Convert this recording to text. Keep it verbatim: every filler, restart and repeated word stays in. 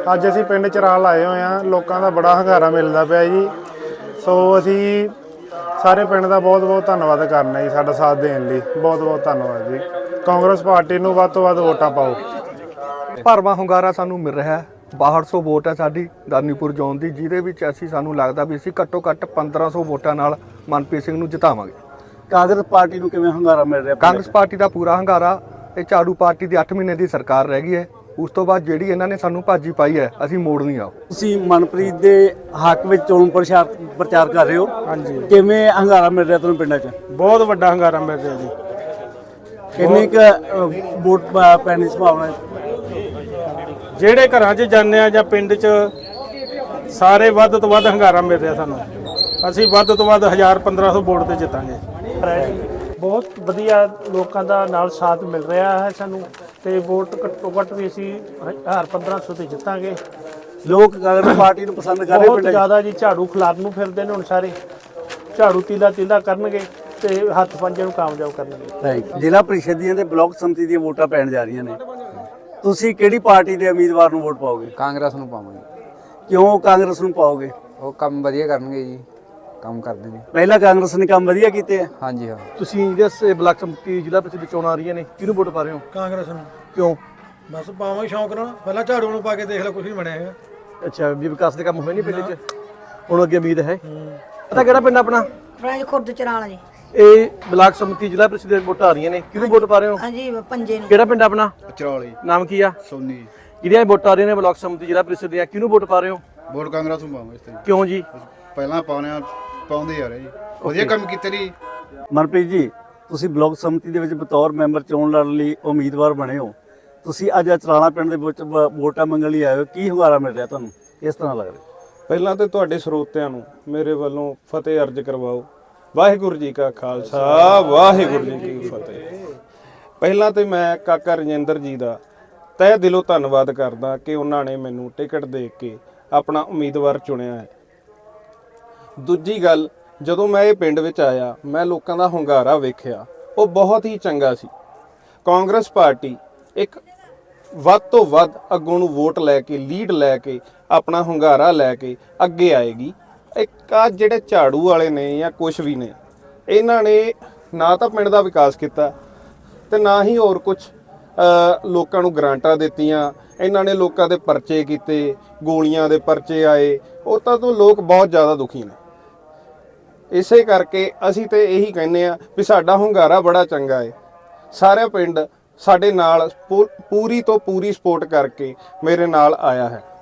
ਅੱਜ ਅਸੀਂ ਪਿੰਡ ਚਰਾਲ ਆਏ ਹੋਏ ਹਾਂ। ਲੋਕਾਂ ਦਾ ਬੜਾ ਹੰਗਾਰਾ ਮਿਲਦਾ ਪਿਆ ਜੀ। ਸੋ ਅਸੀਂ ਸਾਰੇ ਪਿੰਡ ਦਾ ਬਹੁਤ ਬਹੁਤ ਧੰਨਵਾਦ ਕਰਨਾ ਜੀ, ਸਾਡਾ ਸਾਥ ਦੇਣ ਲਈ ਬਹੁਤ ਬਹੁਤ ਧੰਨਵਾਦ ਜੀ। ਕਾਂਗਰਸ ਪਾਰਟੀ ਨੂੰ ਵੱਧ ਤੋਂ ਵੱਧ ਵੋਟਾਂ ਪਾਓ। ਭਰਵਾਂ ਹੁੰਗਾਰਾ ਸਾਨੂੰ ਮਿਲ ਰਿਹਾ ਹੈ। ਬਾਹਠ ਸੌ ਵੋਟ ਹੈ ਸਾਡੀ ਦਾਨੀਪੁਰ ਜ਼ੋਨ ਦੀ, ਜਿਹਦੇ ਵਿੱਚ ਅਸੀਂ ਸਾਨੂੰ ਲੱਗਦਾ ਵੀ ਅਸੀਂ ਘੱਟੋ ਘੱਟ ਪੰਦਰਾਂ ਸੌ ਵੋਟਾਂ ਨਾਲ ਮਨਪ੍ਰੀਤ ਸਿੰਘ ਨੂੰ ਜਿਤਾਵਾਂਗੇ। ਕਾਂਗਰਸ ਪਾਰਟੀ ਨੂੰ ਕਿਵੇਂ ਹੁੰਗਾਰਾ ਮਿਲ ਰਿਹਾ? ਕਾਂਗਰਸ ਪਾਰਟੀ ਦਾ ਪੂਰਾ ਹੰਗਾਰਾ। ਇਹ ਝਾੜੂ ਪਾਰਟੀ ਦੀ ਅੱਠ ਮਹੀਨੇ ਦੀ ਸਰਕਾਰ ਰਹਿ ਗਈ ਹੈ। ਉਸ ਤੋਂ ਬਾਅਦ ਜਿਹੜੀ ਇਹਨਾਂ ਨੇ ਸਾਨੂੰ ਭਾਜੀ ਪਾਈ ਹੈ, ਅਸੀਂ ਮੋੜਨੀ ਆ। ਤੁਸੀਂ ਮਨਪ੍ਰੀਤ ਦੇ ਹੱਕ ਵਿੱਚ ਚੋਣ ਪ੍ਰਚਾਰ ਪ੍ਰਚਾਰ ਕਰ ਰਹੇ ਹੋ। ਹਾਂਜੀ, ਕਿਵੇਂ ਹੰਗਾਰਾ ਮਿਲ ਰਿਹਾ ਤੁਹਾਨੂੰ ਪਿੰਡਾਂ 'ਚ? ਬਹੁਤ ਵੱਡਾ ਹੰਗਾਰਾ ਮਿਲ ਰਿਹਾ ਜੀ। ਕਿੰਨੀ ਕੁ ਵੋਟ ਪ- ਪੈਣ ਦੀ ਸੰਭਾਵਨਾ ਹੈ? ਜਿਹੜੇ ਘਰਾਂ 'ਚ ਜਾਂਦੇ ਆ ਜਾਂ ਪਿੰਡ 'ਚ ਸਾਰੇ ਵੱਧ ਤੋਂ ਵੱਧ ਹੰਗਾਰਾ ਮਿਲ ਰਿਹਾ ਸਾਨੂੰ। ਅਸੀਂ ਵੱਧ ਤੋਂ ਵੱਧ ਹਜ਼ਾਰ ਪੰਦਰਾਂ ਸੌ ਵੋਟ ਤੇ ਜਿੱਤਾਂਗੇ। ਬਹੁਤ ਵਧੀਆ ਲੋਕਾਂ ਦਾ ਨਾਲ ਸਾਥ ਮਿਲ ਰਿਹਾ ਹੈ ਸਾਨੂੰ, ਤੇ ਵੋਟ ਘੱਟੋ ਘੱਟ ਵੀ ਅਸੀਂ ਹਜ਼ਾਰ ਪੰਦਰਾਂ ਸੌ ਤੇ ਜਿੱਤਾਂਗੇ। ਲੋਕ ਕਾਂਗਰਸ ਪਾਰਟੀ ਨੂੰ ਪਸੰਦ ਕਰ ਰਹੇ ਬਹੁਤ ਪਿੰਡਾਂ 'ਚ? ਜ਼ਿਆਦਾ ਜੀ। ਝਾੜੂ ਖਿਲਾਫ ਨੂੰ ਫਿਰਦੇ ਨੇ ਹੁਣ ਸਾਰੇ। ਝਾੜੂ ਤੀਲਾ ਤੀਲਾ ਕਰਨਗੇ ਤੇ ਹੱਥ ਪੰਜੇ ਨੂੰ ਕਾਮਯਾਬ ਕਰਨਗੇ। Right. ਜ਼ਿਲ੍ਹਾ ਪ੍ਰੀਸ਼ਦ ਦੀਆਂ ਤੇ ਬਲਾਕ ਸੰਮਤੀ ਦੀਆਂ ਵੋਟਾਂ ਪੈਣ ਜਾ ਰਹੀਆਂ ਨੇ। ਤੁਸੀਂ ਕਿਹੜੀ ਪਾਰਟੀ ਦੇ ਉਮੀਦਵਾਰ ਨੂੰ ਵੋਟ ਪਾਓਗੇ? ਕਾਂਗਰਸ ਨੂੰ ਪਾਵਾਂਗੇ। ਕਿਉਂ ਕਾਂਗਰਸ ਨੂੰ ਪਾਓਗੇ? ਉਹ ਕੰਮ ਵਧੀਆ ਕਰਨਗੇ ਜੀ, ਕੰਮ ਕਰਦੇ ਨੇ। ਪਹਿਲਾਂ ਕਾਂਗਰਸ ਨੇ ਕੰਮ ਵਧੀਆ ਕੀਤੇ ਆ। ਹਾਂਜੀ ਹਾਂ। ਤੁਸੀਂ ਜਿਸ ਬਲਾਕ ਸੰਮਤੀ ਜ਼ਿਲ੍ਹਾ ਪ੍ਰੀਸ਼ਦ ਚੋਣਾਂ ਆ ਰਹੀਆਂ ਨੇ, ਕਿਹਨੂੰ ਵੋਟ ਪਾ ਰਹੇ ਹੋ? ਕਾਂਗਰਸ ਨੂੰ। ਕਿਉਂ? ਬਸ ਪਾਵਾਂਗੇ ਸ਼ੌਂਕ ਨਾਲ। ਪਹਿਲਾਂ ਝਾੜੂ ਨੂੰ ਪਾ ਕੇ ਦੇਖ ਲਓ, ਕੁਝ ਨਹੀਂ ਬਣਿਆ ਹੈਗਾ। ਅੱਛਾ, ਵੀ ਵਿਕਾਸ ਦੇ ਕੰਮ ਹੋਏ ਨਹੀਂ ਪਿੰਡ 'ਚ? ਹੁਣ ਅੱਗੇ ਉਮੀਦ ਹੈ। ਪਤਾ ਕਿਹੜਾ ਪਿੰਡ ਆਪਣਾ? ਆਪਣਾ ਜੀ ਖੁਰਦ ਚਰਾਲਾ ਜੀ। ਇਹ ਬਲਾਕ ਸੰਮਤੀ ਜ਼ਿਲ੍ਹਾ ਪ੍ਰੀਸ਼ਦ ਦੀਆਂ ਵੋਟਾਂ ਆ ਰਹੀਆਂ ਨੇ, ਕਿਹਨੂੰ ਵੋਟ ਪਾ ਰਹੇ ਹੋ? ਹਾਂਜੀ ਪੰਜੇ ਨੂੰ। ਕਿਹੜਾ ਪਿੰਡ ਆਪਣਾ? ਚਰੌਲੀ ਨਾਮ ਕੀ ਆ? ਸੋਨੀ। ਜਿਹੜੀਆਂ ਵੋਟਾਂ ਆ ਰਹੀਆਂ ਨੇ ਬਲਾਕ ਸੰਮਤੀ ਜ਼ਿਲ੍ਹਾ ਪ੍ਰੀਸ਼ਦ ਦੀਆਂ, ਕਿਹਨੂੰ ਵੋਟ ਪਾ ਰਹੇ ਹੋ? ਵੋਟ ਕਾਂਗਰਸ ਨੂੰ ਪਾਵਾਂਗੇ। ਇਸ ਤੇ ਕਿਉਂ ਜੀ? ਪਹਿਲਾਂ ਪਾਉਣੇ ਆ, ਪਾਉਂਦੇ ਆ ਰਹੇ ਜੀ, ਵਧੀਆ ਕੰਮ ਕੀਤੇ ਜੀ। ਮਨਪ੍ਰੀਤ ਜੀ, ਤੁਸੀਂ ਬਲਾਕ ਸੰਮਤੀ ਦੇ ਵਿੱਚ ਬਤੌਰ ਮੈਂਬਰ ਚੋਣ ਲੜਨ ਲਈ ਉਮੀਦਵਾਰ ਬਣੇ ਹੋ। ਤੁਸੀਂ ਅੱਜ ਚਰਾਲਾ ਪਿੰਡ ਦੇ ਵਿੱਚ ਵ- ਵੋਟਾਂ ਮੰਗਣ ਲਈ ਆਏ ਹੋ। ਕੀ ਹੁੰਗਾਰਾ ਮਿਲ ਰਿਹਾ ਤੁਹਾਨੂੰ? ਕਿਸ ਤਰ੍ਹਾਂ ਲੱਗ ਰਿਹਾ? ਪਹਿਲਾਂ ਤੇ ਤੁਹਾਡੇ ਸਰੋਤਿਆਂ ਨੂੰ ਮੇਰੇ ਵੱਲੋਂ ਫਤਿਹ ਅਰਜ ਕਰਵਾਓ। ਵਾਹਿਗੁਰੂ ਜੀ ਕਾ ਖਾਲਸਾ, ਵਾਹਿਗੁਰੂ ਜੀ ਕੀ ਫਤਿਹ। ਪਹਿਲਾਂ ਤੇ ਮੈਂ ਕਾਕਾ ਰਜਿੰਦਰ ਜੀ ਦਾ ਤਹਿ ਦਿਲੋਂ ਧੰਨਵਾਦ ਕਰਦਾ ਕਿ ਉਹਨਾਂ ਨੇ ਮੈਨੂੰ ਟਿਕਟ ਦੇ ਕੇ ਆਪਣਾ ਉਮੀਦਵਾਰ ਚੁਣਿਆ ਹੈ। ਦੂਜੀ ਗੱਲ, ਜਦੋਂ ਮੈਂ ਇਹ ਪਿੰਡ ਵਿੱਚ ਆਇਆ, ਮੈਂ ਲੋਕਾਂ ਦਾ ਹੁੰਗਾਰਾ ਵੇਖਿਆ, ਉਹ ਬਹੁਤ ਹੀ ਚੰਗਾ ਸੀ। ਕਾਂਗਰਸ ਪਾਰਟੀ ਇੱਕ ਵੱਧ ਤੋਂ ਵੱਧ ਅੱਗੋਂ ਨੂੰ ਵੋਟ ਲੈ ਕੇ, ਲੀਡ ਲੈ ਕੇ, ਆਪਣਾ ਹੁੰਗਾਰਾ ਲੈ ਕੇ ਅੱਗੇ ਆਏਗੀ। ਇੱਕ ਆ ਜਿਹੜੇ ਝਾੜੂ ਵਾਲੇ ਨੇ ਜਾਂ ਕੁਛ ਵੀ ਨੇ, ਇਹਨਾਂ ਨੇ ਨਾ ਤਾਂ ਪਿੰਡ ਦਾ ਵਿਕਾਸ ਕੀਤਾ ਤੇ ਨਾ ਹੀ ਹੋਰ ਕੁਝ ਲੋਕਾਂ ਨੂੰ ਗਰਾਂਟਾਂ ਦਿੱਤੀਆਂ। ਇਹਨਾਂ ਨੇ ਲੋਕਾਂ ਦੇ ਪਰਚੇ ਕੀਤੇ, ਗੋਲੀਆਂ ਦੇ ਪਰਚੇ ਆਏ, ਉਹ ਤਾਂ ਤੋਂ ਲੋਕ ਬਹੁਤ ਜ਼ਿਆਦਾ ਦੁਖੀ ਨੇ। ਇਸੇ ਕਰਕੇ ਅਸੀਂ ਤੇ ਇਹੀ ਕਹਿੰਦੇ ਆ ਵੀ ਸਾਡਾ ਹੁੰਗਾਰਾ ਬੜਾ ਚੰਗਾ ਹੈ। ਸਾਰਾ ਪਿੰਡ ਸਾਡੇ ਨਾਲ ਪੂਰੀ ਤੋਂ ਪੂਰੀ ਸਪੋਰਟ ਕਰਕੇ ਮੇਰੇ ਨਾਲ ਆਇਆ ਹੈ।